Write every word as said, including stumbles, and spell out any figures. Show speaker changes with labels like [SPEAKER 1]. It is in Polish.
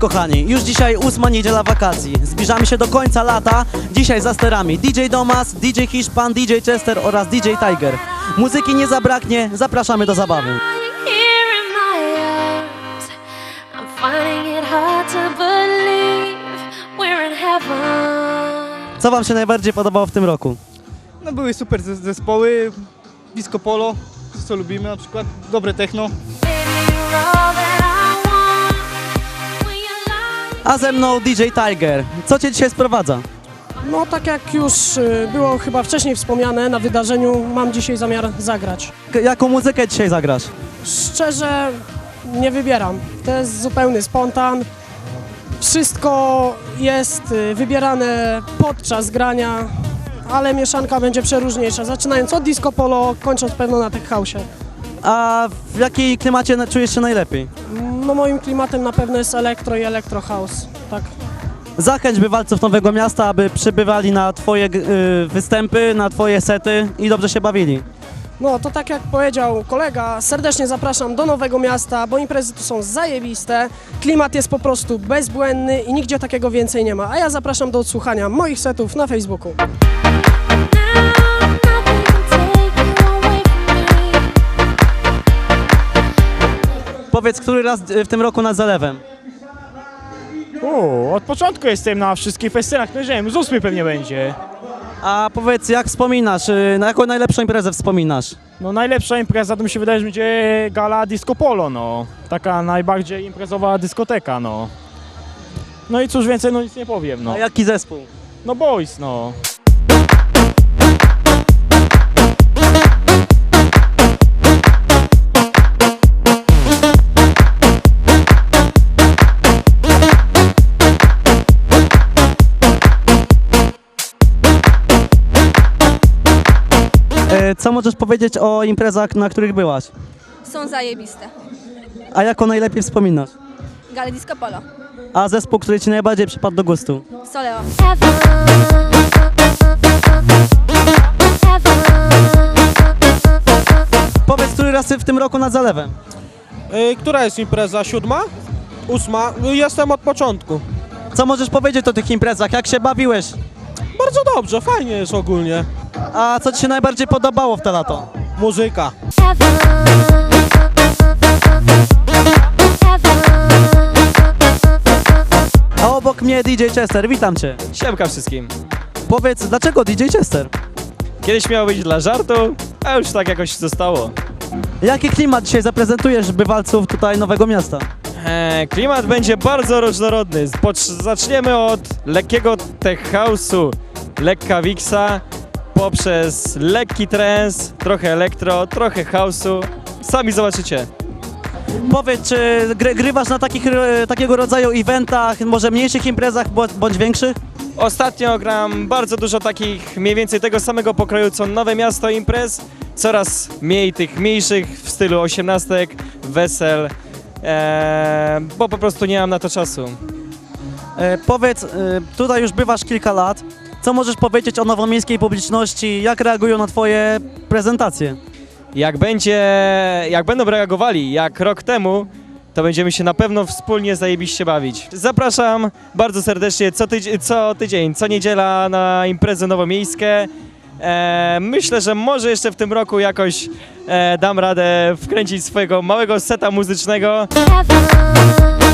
[SPEAKER 1] kochani, już dzisiaj ósma niedziela wakacji. Zbliżamy się do końca lata. Dzisiaj za sterami D J Domas, D J Hiszpan, D J Chester oraz D J Tiger. Muzyki nie zabraknie, zapraszamy do zabawy. Co wam się najbardziej podobało w tym roku?
[SPEAKER 2] No były super zes- zespoły, disco polo, co lubimy, na przykład dobre techno.
[SPEAKER 1] A ze mną D J Tiger. Co cię dzisiaj sprowadza?
[SPEAKER 3] No tak jak już y, było chyba wcześniej wspomniane na wydarzeniu, mam dzisiaj zamiar zagrać.
[SPEAKER 1] K- jaką muzykę dzisiaj zagrasz?
[SPEAKER 3] Szczerze nie wybieram, to jest zupełny spontan. Wszystko jest y, wybierane podczas grania, ale mieszanka będzie przeróżniejsza, zaczynając od disco polo, kończąc pewno na tech house'ie.
[SPEAKER 1] A w jakiej klimacie na- czujesz się najlepiej?
[SPEAKER 3] No moim klimatem na pewno jest elektro i elektro house, tak.
[SPEAKER 1] Zachęć bywalców Nowego Miasta, aby przybywali na twoje g- y, występy, na twoje sety i dobrze się bawili.
[SPEAKER 3] No to tak jak powiedział kolega, serdecznie zapraszam do Nowego Miasta, bo imprezy tu są zajebiste, klimat jest po prostu bezbłędny i nigdzie takiego więcej nie ma. A ja zapraszam do odsłuchania moich setów na Facebooku.
[SPEAKER 1] Powiedz, który raz y, w tym roku nad zalewem?
[SPEAKER 4] O, od początku jestem na wszystkich festynach, no nie wiem, z ósmy pewnie będzie.
[SPEAKER 1] A powiedz, jak wspominasz, y, na jaką najlepszą imprezę wspominasz?
[SPEAKER 4] No najlepsza impreza to mi się wydaje, że będzie gala Disco Polo, no. Taka najbardziej imprezowa dyskoteka, no. No i cóż więcej, no nic nie powiem, no.
[SPEAKER 1] A jaki zespół?
[SPEAKER 4] No Boys, no.
[SPEAKER 1] Y, co możesz powiedzieć o imprezach, na których byłaś?
[SPEAKER 5] Są zajebiste.
[SPEAKER 1] A jaką najlepiej wspominasz?
[SPEAKER 5] Gale Disco Polo.
[SPEAKER 1] A zespół, który ci najbardziej przypadł do gustu?
[SPEAKER 5] Soleo.
[SPEAKER 1] Powiedz, który raz w tym roku nad zalewem?
[SPEAKER 6] Yy, która jest impreza? Siódma? Ósma? Yy, Jestem od początku.
[SPEAKER 1] Co możesz powiedzieć o tych imprezach? Jak się bawiłeś?
[SPEAKER 6] Bardzo dobrze, fajnie jest ogólnie.
[SPEAKER 1] A co ci się najbardziej podobało w to lato?
[SPEAKER 6] Muzyka.
[SPEAKER 1] A obok mnie D J Chester, witam cię.
[SPEAKER 7] Siemka wszystkim.
[SPEAKER 1] Powiedz, dlaczego D J Chester?
[SPEAKER 7] Kiedyś miało być dla żartu, a już tak jakoś zostało.
[SPEAKER 1] Jaki klimat dzisiaj zaprezentujesz bywalców tutaj Nowego Miasta?
[SPEAKER 7] Eee, klimat będzie bardzo różnorodny. Pocz- zaczniemy od lekkiego tech house'u, lekka wiksa, poprzez lekki trance, trochę elektro, trochę house'u. Sami zobaczycie.
[SPEAKER 1] Powiedz, czy gry, grywasz na takich, e, takiego rodzaju eventach, może mniejszych imprezach bądź, bądź większych?
[SPEAKER 7] Ostatnio gram bardzo dużo takich mniej więcej tego samego pokroju co Nowe Miasto imprez. Coraz mniej tych mniejszych w stylu osiemnastek, wesel, eee, bo po prostu nie mam na to czasu.
[SPEAKER 1] E, powiedz, e, tutaj już bywasz kilka lat. Co możesz powiedzieć o nowomiejskiej publiczności? Jak reagują na twoje prezentacje?
[SPEAKER 7] Jak będzie, jak będą reagowali jak rok temu, to będziemy się na pewno wspólnie zajebiście bawić. Zapraszam bardzo serdecznie co, tydzień, co tydzień, co niedziela na imprezę nowomiejskie. E, myślę, że może jeszcze w tym roku jakoś e, dam radę wkręcić swojego małego seta muzycznego.
[SPEAKER 5] Heaven.